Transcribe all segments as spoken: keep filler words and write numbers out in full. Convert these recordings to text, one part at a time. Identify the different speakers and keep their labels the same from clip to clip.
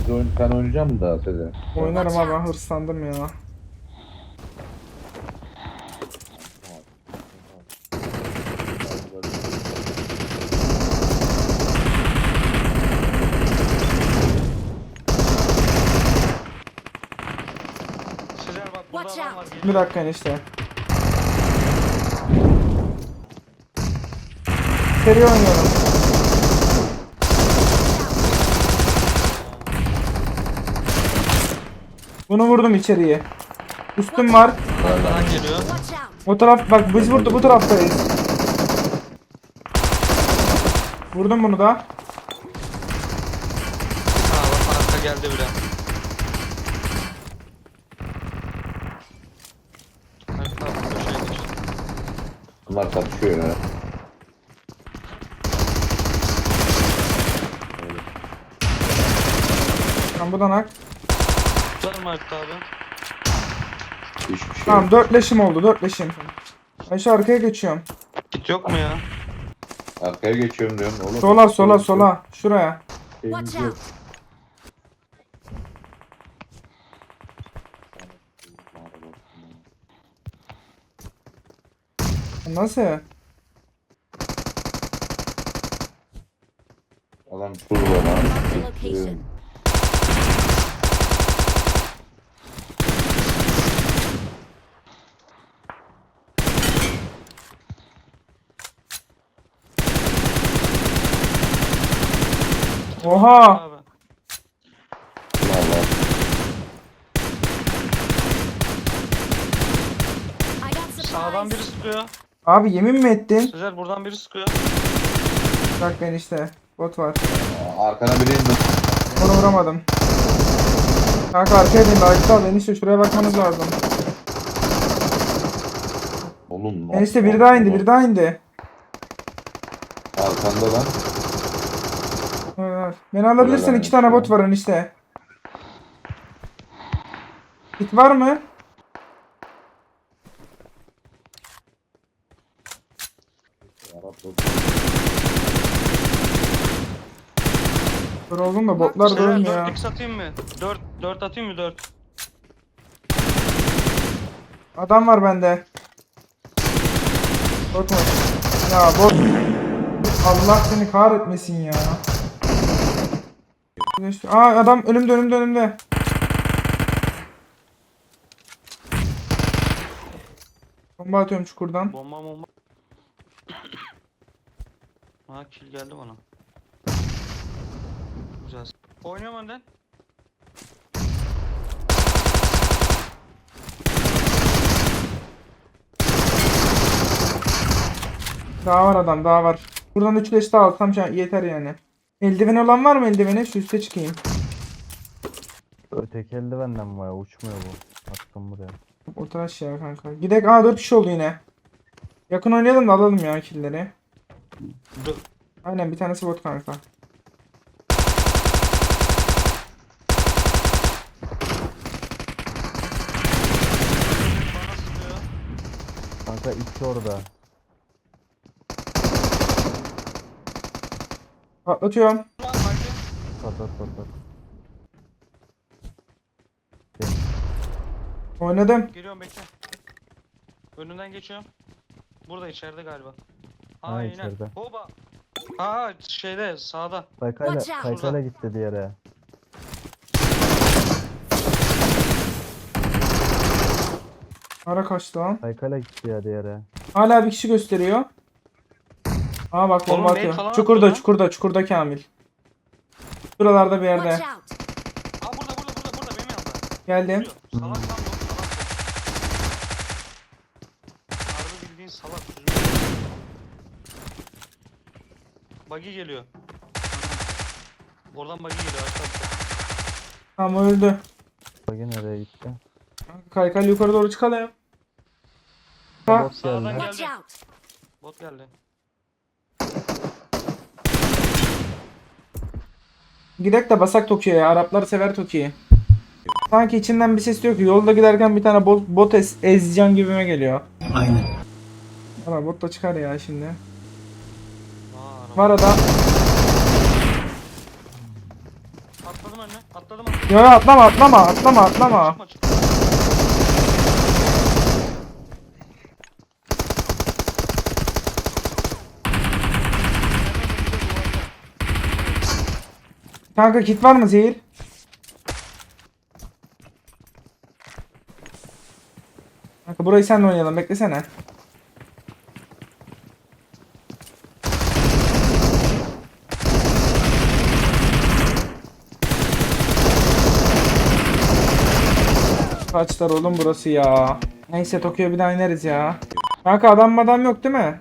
Speaker 1: Siz oyun, sen oynayacak mısın daha Sezer?
Speaker 2: Oynarım abi, ben hırslandım ya.
Speaker 3: Sezer bak burada
Speaker 4: Watch
Speaker 3: adam var.
Speaker 4: out.
Speaker 2: Bir
Speaker 3: Geliyor.
Speaker 2: dakika enişte. Seri oynuyorum. Bunu vurdum içeriye. Üstüm var.
Speaker 3: Arkadan geliyor.
Speaker 4: Watch out!
Speaker 2: O taraf bak, biz burada bu taraftayız. Vurdum bunu da.
Speaker 3: Ha bak arka geldi bile. Arka köşeye geç.
Speaker 1: Bunlar kapışıyor ya.
Speaker 2: Tamam, bu da nak.
Speaker 3: Tutar mı Arka abi?
Speaker 1: Hiçbir şey
Speaker 2: Tamam,
Speaker 1: yok.
Speaker 2: dört leşim oldu, dört leşim. Ben şu arkaya geçiyorum.
Speaker 3: Git yok mu ya?
Speaker 1: Arkaya geçiyorum diyorum oğlum.
Speaker 2: Sola sola sola. Şuraya.
Speaker 4: Watch out!
Speaker 2: Nasıl?
Speaker 1: Adam şurada lan.
Speaker 4: Mark the location.
Speaker 2: Oha!
Speaker 3: Abi.
Speaker 1: Allah.
Speaker 4: I got
Speaker 3: Sağdan biri
Speaker 4: supplies.
Speaker 3: sıkıyor.
Speaker 2: Abi yemin mi ettin?
Speaker 3: Sezer buradan biri sıkıyor.
Speaker 2: Bak ben işte. Bot var.
Speaker 1: Arkana biri indi.
Speaker 2: Onu vuramadım. Kanka arkaya dön. Ayıkta al. Enişte şuraya bakmanız lazım.
Speaker 1: Oğlum.
Speaker 2: Enişte biri daha indi. Biri daha indi.
Speaker 1: Arkanda lan.
Speaker 2: Evet. Beni alabilirsin.
Speaker 1: Öyle
Speaker 2: İki tane
Speaker 1: yani.
Speaker 2: bot var enişte. Git var mı? Dur oğlum da botlar
Speaker 3: Sezer
Speaker 2: durmuyor.
Speaker 3: dört x atayım mı? dört dört atayım mı dört?
Speaker 2: Adam var bende. Bot mu? Ya bot. Allah seni kahretmesin ya. Aa, adam önümde önümde önümde. Bomba atıyorum çukurdan.
Speaker 3: Bomba bomba. Ha kill geldi bana. Güzel. Oynuyorum önden.
Speaker 2: Daha var adam, daha var. Buradan üç leş daha alsam şu an yeter yani. Eldiveni olan var mı eldiveni? Şu üste çıkayım.
Speaker 5: Öteki eldivenden var ya, uçmuyor bu. Attım buraya.
Speaker 2: Ortaş ya kanka. Gidek. Aa, dört kişi oldu yine. Yakın oynayalım da alalım ya killleri.
Speaker 3: Dur.
Speaker 2: Aynen, bir tanesi bot kanka.
Speaker 3: Bana sıkıyor.
Speaker 5: Kanka iki orada.
Speaker 2: Patlatıyorum.
Speaker 3: Lan haydi.
Speaker 5: Patlat patlat.
Speaker 2: Oynadım.
Speaker 3: Geliyorum bekle. Önünden geçiyorum. Burada içeride galiba.
Speaker 5: Ha,
Speaker 3: Aynen.
Speaker 5: içeride.
Speaker 3: Hoba. Aa şeyde sağda.
Speaker 5: Kaykayla,
Speaker 4: Watch out.
Speaker 5: kaykayla gitti diğeri.
Speaker 2: Ara kaçtı lan.
Speaker 5: Kaykayla gitti ya diğeri.
Speaker 2: Hala bir kişi gösteriyor. Aa bak,
Speaker 3: Oğlum,
Speaker 2: bomba
Speaker 3: mail
Speaker 2: atıyor.
Speaker 3: falan
Speaker 2: Çukurda
Speaker 3: atıyor lan.
Speaker 2: çukurda çukurda Kamil. Şuralarda bir
Speaker 4: Watch
Speaker 2: yerde.
Speaker 4: out!
Speaker 3: Aa burada burada burada burada benim yanımda.
Speaker 2: Geldim.
Speaker 3: Duruyor. Salak lan bu. Salak bu. Harbi bildiğin salak. Buggy geliyor. Oradan buggy geliyor arkadaşlar.
Speaker 2: Tamam, öldü.
Speaker 5: Bagi nereye gitti?
Speaker 2: Kaykay yukarı doğru çıkalım. Ha.
Speaker 5: Bot
Speaker 3: Sağdan
Speaker 5: geldi.
Speaker 4: Watch
Speaker 3: geldi.
Speaker 4: out!
Speaker 3: Bot geldi.
Speaker 2: Gidek de basak Tokyo'ya. Araplar sever Tokyo'yu. Sanki içinden bir ses diyor ki yolda giderken bir tane bot, bot ez, ezeceğim gibime geliyor.
Speaker 6: Aynen.
Speaker 2: Ama bot da çıkar ya şimdi.
Speaker 3: Aa, araba.
Speaker 2: Var adam.
Speaker 3: Atladım önüne. Atladım atladım.
Speaker 2: Yo yo atlama atlama atlama atlama.
Speaker 3: Çıkma çıkma.
Speaker 2: Kanka kit var mı zehir? Kanka burayı senle oynayalım beklesene. Kaçlar oğlum burası ya. Neyse Tokyo'ya bir daha ineriz ya. Kanka adam adam yok değil mi?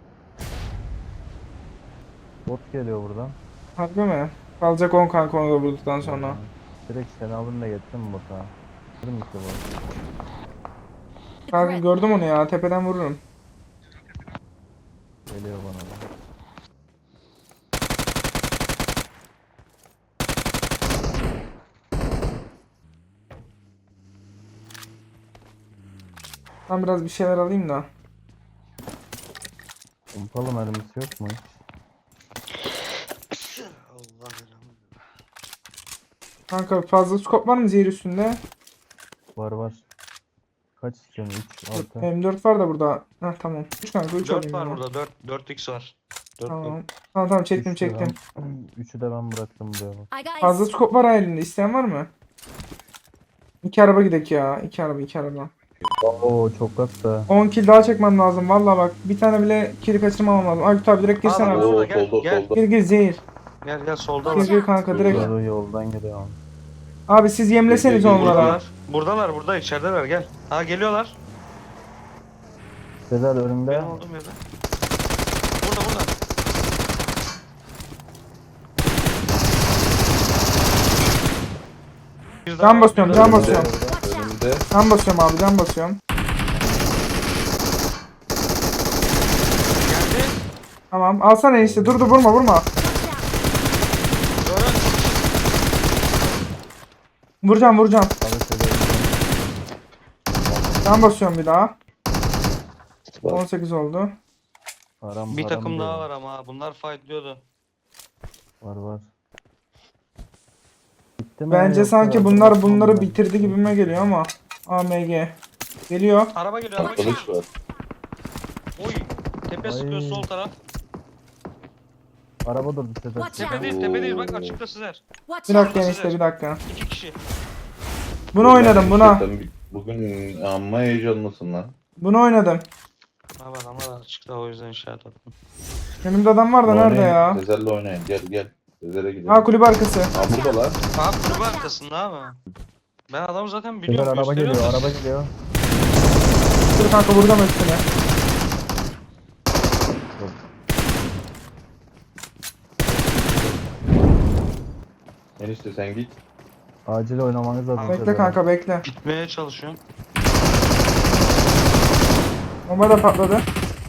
Speaker 5: Bot geliyor buradan.
Speaker 2: Harbi mi? Kalacak on kanka onu da vurduktan sonra.
Speaker 5: Direkt seni alın da getirin bota. Vurun işte bot.
Speaker 2: Kanka gördüm onu ya tepeden vururum.
Speaker 5: Geliyor bana da.
Speaker 2: Ben biraz bir şeyler alayım da.
Speaker 5: Umpalım mermisi yok mu hiç?
Speaker 3: Allah belanı.
Speaker 2: Kanka fazla skop var mı zehir üstünde?
Speaker 5: Var var. Kaç istiyorsun? üç, altı.
Speaker 2: M dört var da burada. Heh tamam. üç kanka üç
Speaker 3: dört
Speaker 2: alayım.
Speaker 3: var
Speaker 2: ya.
Speaker 3: burada. dört. dört x var. dört
Speaker 2: Tamam. Tamam tamam çektim çektim.
Speaker 5: üçü de ben bıraktım buraya bak.
Speaker 4: I got
Speaker 2: Fazla skop var ha elinde. İsteyen var mı? İki araba gidek ya. İki araba iki araba.
Speaker 5: Oo çok hatta.
Speaker 2: on kill daha çekmem lazım. Vallahi bak. Bir tane bile kill kaçırmamam lazım. Aykut abi direkt girsene
Speaker 3: Aa,
Speaker 2: abi.
Speaker 1: Oo,
Speaker 3: Solda, gel,
Speaker 1: solda
Speaker 3: gel.
Speaker 1: solda.
Speaker 2: Gir gir zehir.
Speaker 3: Gel gel solda
Speaker 2: Gir
Speaker 3: var.
Speaker 2: gir kanka direkt.
Speaker 5: Yolu yoldan geliyor.
Speaker 2: Abi siz yemleseniz
Speaker 1: Gir, gir, gir.
Speaker 2: onlara.
Speaker 3: Buradalar. Buradalar burada içerideler gel. Ha geliyorlar.
Speaker 5: Sezer önümde.
Speaker 3: Benim olduğum yerde. Burada burada. Bir daha
Speaker 2: Can
Speaker 3: var,
Speaker 2: basıyorum
Speaker 3: bir daha
Speaker 2: can
Speaker 3: var.
Speaker 2: basıyorum.
Speaker 1: Önümde.
Speaker 2: Can basıyorum abi can basıyorum.
Speaker 3: Geldi.
Speaker 2: Tamam alsana enişte dur dur vurma vurma.
Speaker 3: Doğru.
Speaker 2: Vuracağım vuracağım.
Speaker 5: Abi Sezer.
Speaker 2: Can basıyorum bir daha.
Speaker 1: Bak.
Speaker 2: on sekiz oldu.
Speaker 5: Param,
Speaker 3: Bir
Speaker 5: param
Speaker 3: takım
Speaker 5: diyor.
Speaker 3: daha var ama ha, bunlar fightlıyordu.
Speaker 5: Var var. Bitti mi
Speaker 2: Bence
Speaker 5: yoksa
Speaker 2: sanki bunlar
Speaker 5: bırakmam
Speaker 2: bunları
Speaker 5: mı?
Speaker 2: bitirdi gibime geliyor ama. A M G. Geliyor.
Speaker 3: Araba geliyor araba geliyor.
Speaker 1: Kılıç var.
Speaker 3: Oy. Tepe
Speaker 5: Ay.
Speaker 3: sıkıyor sol taraf.
Speaker 5: Araba durdu Sezer.
Speaker 4: Watch
Speaker 3: Tepe
Speaker 4: out.
Speaker 3: değil tepe değil bak
Speaker 1: Oo.
Speaker 3: açıkta Sizer.
Speaker 4: Watch
Speaker 2: Bir
Speaker 4: out.
Speaker 2: dakika enişte bir dakika.
Speaker 3: İki kişi.
Speaker 2: Bunu oynadım buna.
Speaker 1: Sen bugün amma heyecanlısın lan.
Speaker 2: Bunu oynadım.
Speaker 3: Ha var ama açıkta o yüzden işaret attım.
Speaker 2: Önümde adam var da nerede
Speaker 1: Oynayın,
Speaker 2: ya?
Speaker 1: Sezer'le oynayın. Gel gel. Sezer'e gidelim.
Speaker 2: Ha kulüp arkası.
Speaker 1: Ha buradalar.
Speaker 3: Abi kulübe arkasında abi. Ben adamı zaten
Speaker 5: Sezer
Speaker 3: biliyorum.
Speaker 5: araba
Speaker 3: gösteriyorum
Speaker 5: geliyor
Speaker 3: da-
Speaker 5: araba geliyor.
Speaker 2: Dur kanka vuracağım üstüne.
Speaker 1: Enişte sen git.
Speaker 5: Acil oynamanız lazım.
Speaker 2: Bekle
Speaker 5: Sezer.
Speaker 2: kanka bekle.
Speaker 3: Gitmeye çalışıyorum.
Speaker 2: Bomba da patladı.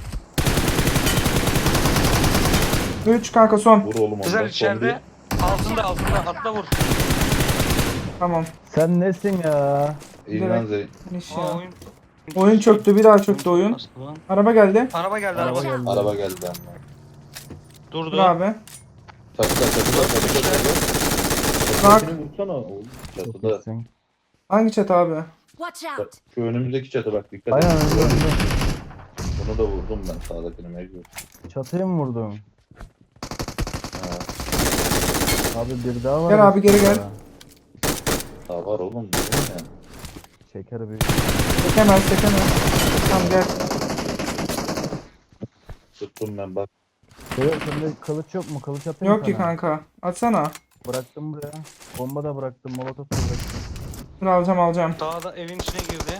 Speaker 2: üç kanka son.
Speaker 1: Vur oğlum ondan.
Speaker 3: Sizer
Speaker 1: Son
Speaker 3: içeride. Altında altında atla vur.
Speaker 2: Tamam.
Speaker 5: Sen nesin ya?
Speaker 1: bir. İlhan Zeyn.
Speaker 2: Finish
Speaker 3: Aa,
Speaker 2: ya.
Speaker 3: oyun.
Speaker 2: Oyun çöktü bir daha çöktü oyun.
Speaker 3: Bastı lan.
Speaker 2: Araba geldi.
Speaker 3: Araba geldi araba.
Speaker 5: Araba geldi.
Speaker 1: Araba geldi ama.
Speaker 3: Durdu.
Speaker 2: Dur abi.
Speaker 1: Çatıda çatıda çatıda çatıda.
Speaker 2: Bak.
Speaker 1: Çatını vursana oğlum.
Speaker 5: Çok
Speaker 1: Çatıda.
Speaker 5: iyisin.
Speaker 2: Hangi çatı abi?
Speaker 4: Watch
Speaker 1: Bak,
Speaker 4: out.
Speaker 1: şu önümüzdeki çatı bak dikkat
Speaker 5: Aynen
Speaker 1: et.
Speaker 5: önümde, önümde.
Speaker 1: Bunu da vurdum ben sağdakini mecbur.
Speaker 5: Çatıya mı vurdun?
Speaker 1: Ha,
Speaker 5: Abi bir daha var.
Speaker 2: Gel abi, geri gel.
Speaker 1: sağ var oğlum. Bu ne?
Speaker 5: Şeker büyük.
Speaker 2: Çekemez çekemez. Tamam gel.
Speaker 1: Tuttum ben bak.
Speaker 5: Sezer sende kılıç yok mu? Kılıç atayım
Speaker 2: Yok ki
Speaker 5: sana.
Speaker 2: kanka. Atsana.
Speaker 5: Bıraktım buraya. Bomba da bıraktım. Molotof da bıraktım.
Speaker 2: Dur alacağım alacağım.
Speaker 3: Dağda evin içine girdi.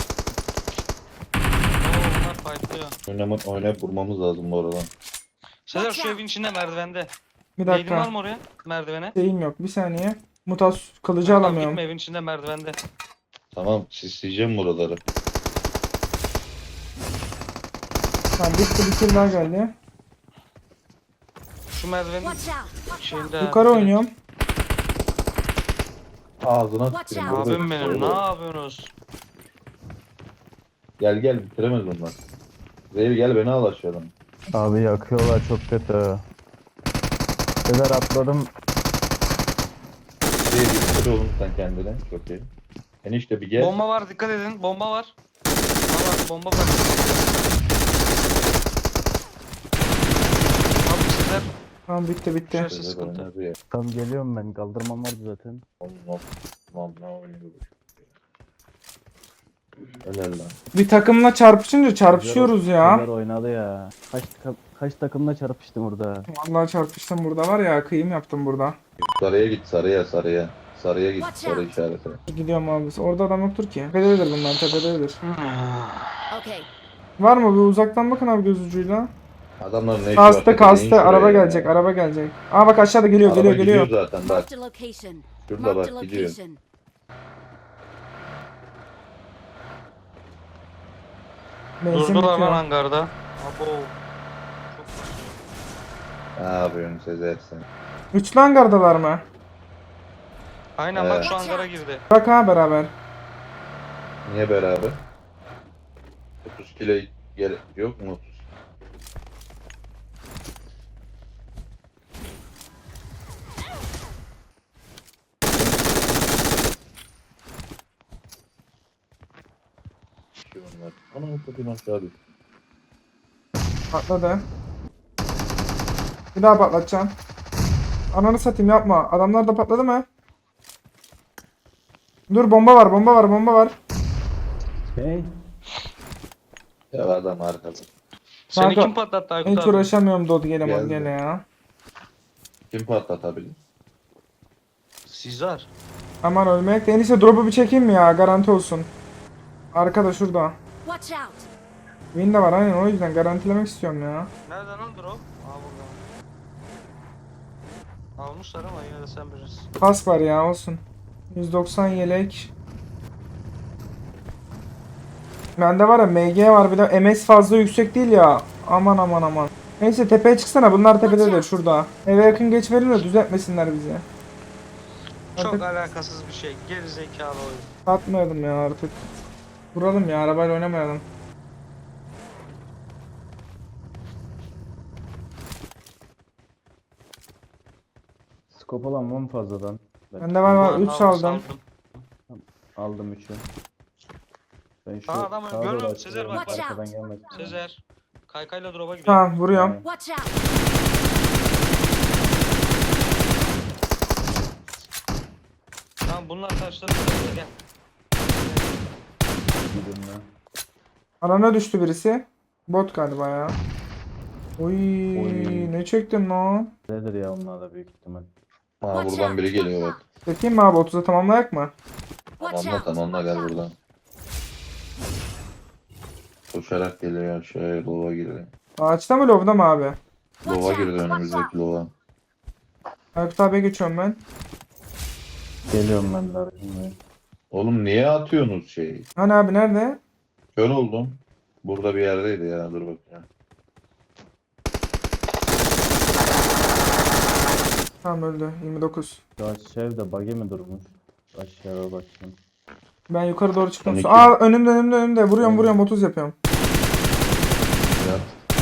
Speaker 3: Oo bunlar fightlıyor.
Speaker 1: Oynama, oynayıp vurmamız lazım bu aradan.
Speaker 3: Sezer
Speaker 4: Watch
Speaker 3: şu
Speaker 4: out.
Speaker 3: evin içinde merdivende.
Speaker 2: Bir
Speaker 3: Neydin var
Speaker 2: dakika.
Speaker 3: mı oraya? Merdivene.
Speaker 2: Şeyim yok. Bir saniye. Mutas kılıcı
Speaker 3: Tamam,
Speaker 2: alamıyorum.
Speaker 3: gitme evin içinde merdivende.
Speaker 1: Tamam sisleyeceğim buraları.
Speaker 2: Tamam bitti bir kill daha geldi.
Speaker 3: Şu merdivenin
Speaker 4: Watch out.
Speaker 3: şeyinde.
Speaker 2: Yukarı oynuyorum.
Speaker 1: Ağzına
Speaker 4: Watch
Speaker 1: tüküreyim.
Speaker 4: out.
Speaker 1: burada
Speaker 3: Abim benim ne yapıyorsunuz?
Speaker 1: Gel gel bitiremez bunlar. Zehir gel beni al aşağıdan.
Speaker 5: Abi yakıyorlar çok kötü. Sezer atladım.
Speaker 1: Bir bitir oğlum sen kendine. Çok iyi. Enişte bir gel.
Speaker 3: Bomba var, dikkat edin. Bomba var. Var, bomba var. Abi sizler
Speaker 2: Tamam bitti bitti.
Speaker 3: Şurası
Speaker 1: Sezar
Speaker 3: sıkıntı.
Speaker 1: oynadı ya.
Speaker 5: Tam geliyorum ben. Kaldırmam vardı zaten.
Speaker 1: Allah Allah ne oynuyor bu? Helal lan.
Speaker 2: Bir takımla çarpışınca çarpışıyoruz ya.
Speaker 5: Sezar oynadı ya. Kaç, ka- kaç takımla çarpıştım orada.
Speaker 2: Vallahi çarpıştım burada var ya, kıyım yaptım burada.
Speaker 1: Sarıya git sarıya sarıya. Sarıya git
Speaker 4: Watch
Speaker 1: sarı
Speaker 4: out.
Speaker 1: işaretine.
Speaker 2: Gidiyorum abi. Orada adam yoktur ki. Tepededir bunlar, tepededir.
Speaker 4: Okay.
Speaker 2: Var mı? Bir uzaktan bakın abi göz ucuyla.
Speaker 1: Adamların ne işi var?
Speaker 2: Kastı
Speaker 1: Tepedeyin
Speaker 2: kastı.
Speaker 1: şuraya
Speaker 2: Araba
Speaker 1: ya.
Speaker 2: gelecek, araba gelecek. Aa bak aşağıda geliyor,
Speaker 1: Araba
Speaker 2: geliyor, geliyor.
Speaker 1: gidiyor zaten bak.
Speaker 4: Marked a location.
Speaker 1: Şurada
Speaker 4: Marked a
Speaker 1: bak gidiyor.
Speaker 4: location.
Speaker 2: Benzin
Speaker 3: Durdular lan
Speaker 2: bitiyor.
Speaker 3: hangarda. Abo.
Speaker 1: Ne yapıyorsun Sezer sen?
Speaker 2: Üçlü hangardalar mı?
Speaker 3: Aynen bak
Speaker 1: Evet.
Speaker 3: şu hangara girdi.
Speaker 2: Bak ha beraber.
Speaker 1: Niye beraber? otuz kilo gel yok mu otuz? Şey onlar. Ana kapıyı aşağı düş.
Speaker 2: Patladı. Bir daha patlatacağım. Ananı satayım yapma. Adamlar da patladı mı? Dur bomba var, bomba var, bomba var.
Speaker 5: Hey.
Speaker 1: Ya adam arkada.
Speaker 3: Seni
Speaker 2: Kanka,
Speaker 3: kim patlattı Aykut
Speaker 2: Hiç
Speaker 3: abi?
Speaker 2: uğraşamıyorum Dod gele
Speaker 1: Geldi.
Speaker 2: gele ya.
Speaker 1: Kim patlatabilir?
Speaker 3: Sizler.
Speaker 2: Aman ölmek de. En iyisi drop'u bir çekeyim mi ya? Garanti olsun. Arkada şurada.
Speaker 4: Watch out.
Speaker 2: Win de var aynen, o yüzden garantilemek istiyorum ya.
Speaker 3: Nereden lan drop? Aa burada. Almışlar ama yine de sen bilirsin.
Speaker 2: Kask var ya, olsun. yüz doksan yelek. Bende var ya M G var, bir de M S fazla yüksek değil ya. Aman aman aman. Neyse tepeye çıksana, bunlar tepededir şurada. Eve yakın geç verin de düzeltmesinler bizi.
Speaker 3: Çok
Speaker 2: Artık
Speaker 3: alakasız bir şey. Geri zekalı oyun.
Speaker 2: atmayalım ya artık. Vuralım ya, arabayla oynamayalım.
Speaker 5: Skop alan var mı fazladan? Ben
Speaker 2: Bende var var,
Speaker 3: Ulan
Speaker 2: üç
Speaker 3: al,
Speaker 2: aldım.
Speaker 5: aldım üçü. Ben şu
Speaker 3: Aa, adamı
Speaker 5: sağa doğru
Speaker 3: görüyorum,
Speaker 5: açıyorum,
Speaker 3: Sezer bak.
Speaker 4: Watch
Speaker 5: arkadan
Speaker 4: out.
Speaker 5: gelmesin.
Speaker 3: Sezer. Kaykayla drop'a gidiyor.
Speaker 2: Tamam vuruyorum.
Speaker 4: Watch out.
Speaker 3: Tamam bunlar taşları gel.
Speaker 5: Gidiyorum ben.
Speaker 2: Alana düştü birisi. Bot galiba ya. Oy,
Speaker 5: Oy.
Speaker 2: ne çektim lan?
Speaker 5: Nedir ya onlar da büyük ihtimal.
Speaker 1: Aa buradan biri geliyor bak.
Speaker 2: Çekeyim mi abi, otuza tamamlayak mı?
Speaker 4: Watch
Speaker 1: Tamamla
Speaker 4: out.
Speaker 1: tamamla gel buradan. Koşarak geliyor aşağıya lova girdi.
Speaker 2: Ağaçta mı lobda mı abi?
Speaker 1: Lova girdi önümüzdeki lova.
Speaker 2: Aykut abiye geçiyorum ben.
Speaker 5: Geliyorum ben de arkamda.
Speaker 1: Oğlum niye atıyorsunuz şeyi?
Speaker 2: Hani abi nerede?
Speaker 1: Kör oldum. Burada bir yerdeydi ya dur bakayım.
Speaker 2: Tamam öldü. yirmi dokuz.
Speaker 5: Şu aşağıda bug'i mi durmuş? Aşağıya bakayım.
Speaker 2: Ben yukarı doğru çıktım.
Speaker 1: on iki.
Speaker 2: Aa önümde önümde önümde. Vuruyorum vuruyorum, otuz yapıyorum.
Speaker 1: Ya.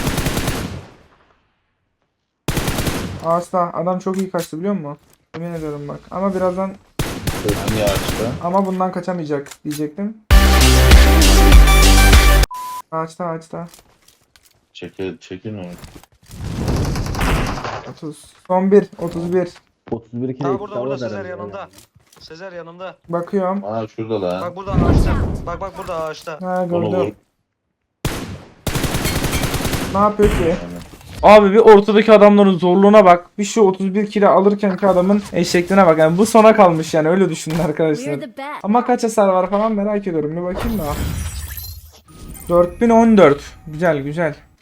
Speaker 2: Ağaçta adam çok iyi kaçtı biliyor musun? Emin ediyorum bak. Ama birazdan,
Speaker 1: Sözün yağışta.
Speaker 2: ama bundan kaçamayacak diyecektim. Ağaçta ağaçta.
Speaker 1: Çekil, çekin onu.
Speaker 2: otuz. Son bir. otuz bir.
Speaker 5: otuz bir kilo
Speaker 3: Ha burada burada Sezer yanımda. Sezer yanımda.
Speaker 2: Bakıyorum.
Speaker 1: Aa şurada lan.
Speaker 3: Bak burada ağaçta. Bak bak burada ağaçta.
Speaker 2: Ha
Speaker 1: Onu vur.
Speaker 2: gördüm. Ne yapıyor ki?
Speaker 1: Yani.
Speaker 2: Abi bir ortadaki adamların zorluğuna bak. Bir şu otuz bir kilo alırken ki adamın eşekliğine bak. Yani bu sona kalmış yani, öyle düşünün arkadaşlar.
Speaker 4: We're the best.
Speaker 2: Ama kaç hasar var falan merak ediyorum. Bir bakayım da. dört bin on dört. Güzel güzel.